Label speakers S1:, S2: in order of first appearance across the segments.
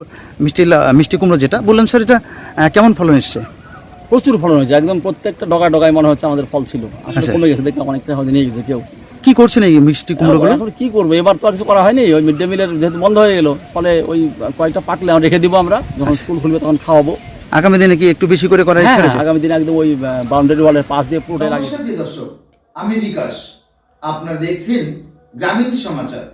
S1: মিষ্টি কুমড়ো যেটা বললাম স্যার, এটা কেমন ফলন এসছে?
S2: প্রচুর ফলন হয়েছে, একদম প্রত্যেকটা ডগায় মনে হচ্ছে আমাদের ফল ছিল, আসলে
S1: আচ্ছা।
S2: কমে গেছে, দেখলাম অনেকটা হয়তো নিয়ে গেছে কেউ।
S1: কি করছেন এই মিষ্টি কুমড়োগুলো?
S2: এখন কি করবো, এবার তো আর কিছু করা হয়নি, ওই মিড ডে মিলের যেহেতু বন্ধ হয়ে গেল, ফলে ওই কয়েকটা পাকলে আমরা রেখে দিব, আমরা যখন স্কুল খুলবে তখন খাওয়াবো।
S1: আগামী দিনে কি একটু বেশি করে করার ইচ্ছা
S2: হ্যাঁ,
S1: রয়েছে?
S2: আগামী দিনে একদম ওই বাউন্ডারি ওয়ালের পাশ দিয়ে পুরোটাই লাগিয়ে।
S3: নমস্কার প্রিয় দর্শক, আমি বিকাশ, আপনারা দেখছেন গ্রামীণ সমাচার।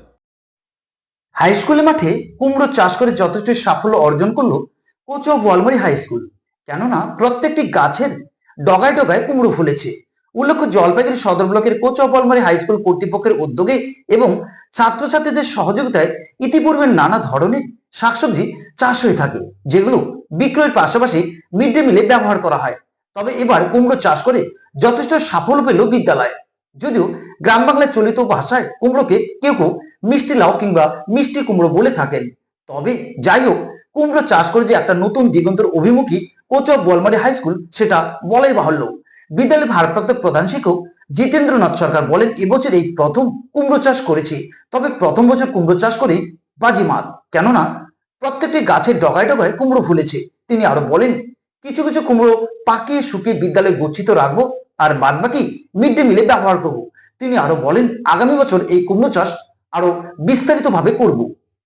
S4: হাই স্কুলের মাঠে কুমড়ো চাষ করে যথেষ্ট সাফল্য অর্জন করলো কোচো বলমারি হাই স্কুল। কেননা প্রত্যেকটি গাছের ডগায় ডগায় কুমড়ো ফুলেছে। উল্লেখ্য, জলপাইগুড়ি সদর ব্লকের কোচো বলমারি হাই স্কুল কর্তৃপক্ষের উদ্যোগে এবং ছাত্রছাত্রীদের সহযোগিতায় ইতিপূর্বে নানা ধরনের শাকসবজি চাষ হয়ে থাকে, যেগুলো বিক্রয়ের পাশাপাশি মিড ডে মিলে ব্যবহার করা হয়। তবে এবার কুমড়ো চাষ করে যথেষ্ট সাফল্য পেল বিদ্যালয়। যদিও গ্রাম বাংলায় চলিত ভাষায় কুমড়োকে কেউ কেউ মিষ্টি লাউ কিংবা মিষ্টি কুমড়ো বলে থাকেন। তবে যাই হোক, কুমড়ো চাষ করে যে একটা নতুন দিগন্তের অভিমুখী কোচো বলমারি হাই স্কুল, সেটা বলাই বাহুল্য। বিদ্যালয়ের ভারপ্রাপ্ত প্রধান শিক্ষক জিতেন্দ্রনাথ সরকার বলেন, এবছর এই প্রথম কুমড়ো চাষ করেছি। তবে প্রথম বছর কুমড়ো চাষ করে বাজিমাত, কেননা প্রত্যেকটি গাছের ডগায় ডগায় কুমড়ো ফুলেছে। তিনি আরো বলেন, কিছু কিছু কুমড়ো পাকিয়ে শুকিয়ে বিদ্যালয়ে গচ্ছিত রাখবো, আর বাদ বাকি মিড ডে মিলে ব্যবহার করব। তিনি আরো বলেন, আগামী বছর এই কুমড়ো চাষ আরো বিস্তারিত ভাবে করব।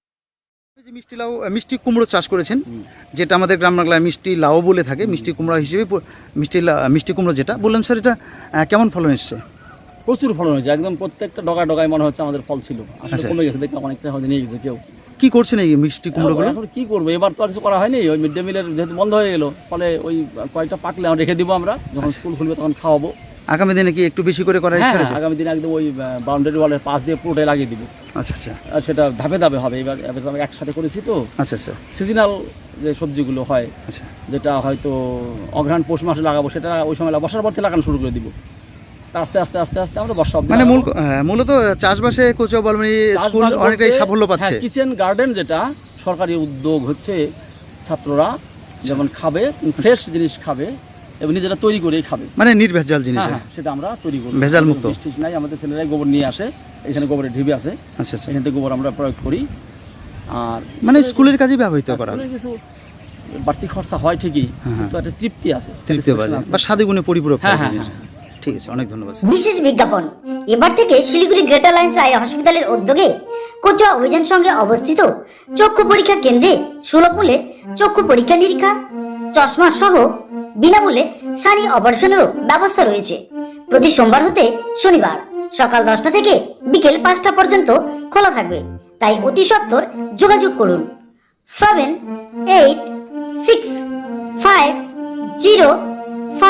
S1: মিষ্টি কুমড়ো চাষ করেছেন, যেটা আমাদের গ্রাম বাংলায় মিষ্টি লাউ বলে থাকে, মিষ্টি কুমড়া হিসেবে মিষ্টি কুমড়ো যেটা বললাম স্যার, এটা কেমন ফলন এসছে?
S2: প্রচুর ফলন হয়েছে, একদম প্রত্যেকটা ডগায় মনে হচ্ছে আমাদের ফল ছিল, আসলে
S1: আচ্ছা।
S2: কমে গেছে, দেখলাম অনেকটা হয়তো নিয়ে গেছে কেউ।
S1: কি করছেন এই মিষ্টি কুমড়োগুলো?
S2: এখন কি করবো, এবার তো আর কিছু করা হয়নি, ওই মিড ডে মিলের যেহেতু বন্ধ হয়ে গেল, ফলে ওই কয়েকটা পাকলে আমরা রেখে দিব, আমরা যখন স্কুল খুলবে তখন খাওয়াবো।
S1: আগামী দিনে কি একটু বেশি করে করার ইচ্ছা
S2: হ্যাঁ,
S1: রয়েছে?
S2: আগামী দিনে একদম ওই বাউন্ডারি ওয়ালের পাশ দিয়ে পুরোটাই লাগিয়ে দিব।
S1: আচ্ছা আচ্ছা
S2: আর সেটা ধাপে ধাপে হবে, এবার আমরা একসাথে করেছি তো।
S1: আচ্ছা আচ্ছা
S2: সিজনাল যে সবজিগুলো হয়,
S1: আচ্ছা
S2: যেটা হয়তো অঘ্রাণ পৌষ মাসে লাগাবো, সেটা ওই সময় বর্ষার পর থেকে লাগানো শুরু করে দিব। তা আস্তে আস্তে আস্তে আস্তে আমরা বর্ষা অবধি
S1: মানে
S2: লাগাবো।
S1: মূলত চাষবাসে কোচো বলমারি স্কুল
S2: চাষবাস
S1: অনেকটাই
S2: বলতে,
S1: সাফল্য পাচ্ছে।
S2: হ্যাঁ, কিচেন গার্ডেন যেটা সরকারি উদ্যোগ হচ্ছে, ছাত্ররা যেমন খাবে, ফ্রেশ জিনিস খাবে এবং নিজেরা তৈরি করেই খাবে,
S1: মানে নির্ভেজাল জিনিস।
S2: হ্যাঁ, সেটা আমরা তৈরি করি,
S1: ভেজাল মুক্ত।
S2: বৃষ্টি নাই, আমাদের ছেলেরাই গোবর নিয়ে আসে, এখানে গোবরের ঢিবি আছে,
S1: আচ্ছা আচ্ছা,
S2: এখান থেকে গোবর আমরা প্রয়োগ করি। আর
S1: মানে স্কুলের কাজে ব্যবহৃত করা
S2: স্কুলে কিছু বাড়তি খরচা হয় ঠিকই,
S1: হ্যাঁ,
S2: কিন্তু একটা তৃপ্তি আছে,
S1: তৃপ্তি বাজে বা স্বাদে গুণে পরিপূরক
S2: হ্যাঁ,
S1: একটা
S2: হ্যাঁ,
S1: জিনিস। ঠিক আছে, অনেক ধন্যবাদ।
S5: বিশেষ বিজ্ঞাপন, এবার থেকে শিলিগুড়ি গ্রেটার লাইন্স আই হসপিটালের উদ্যোগে কোচুয়া অভিযান সঙ্গে অবস্থিত চক্ষু পরীক্ষা কেন্দ্রে সুলভ মূল্যে চক্ষু পরীক্ষা নিরীক্ষা, চশমা সহ বিনামূল্যে সানি অপারেশনেরও ব্যবস্থা রয়েছে। প্রতি সোমবার হতে শনিবার সকাল 10টা থেকে বিকেল 5টা পর্যন্ত খোলা থাকবে, তাই অতি সত্বর যোগাযোগ করুন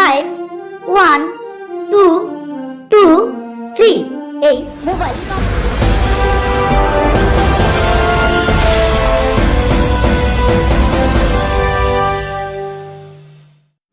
S5: 7865051223 এই মোবাইল নম্বর।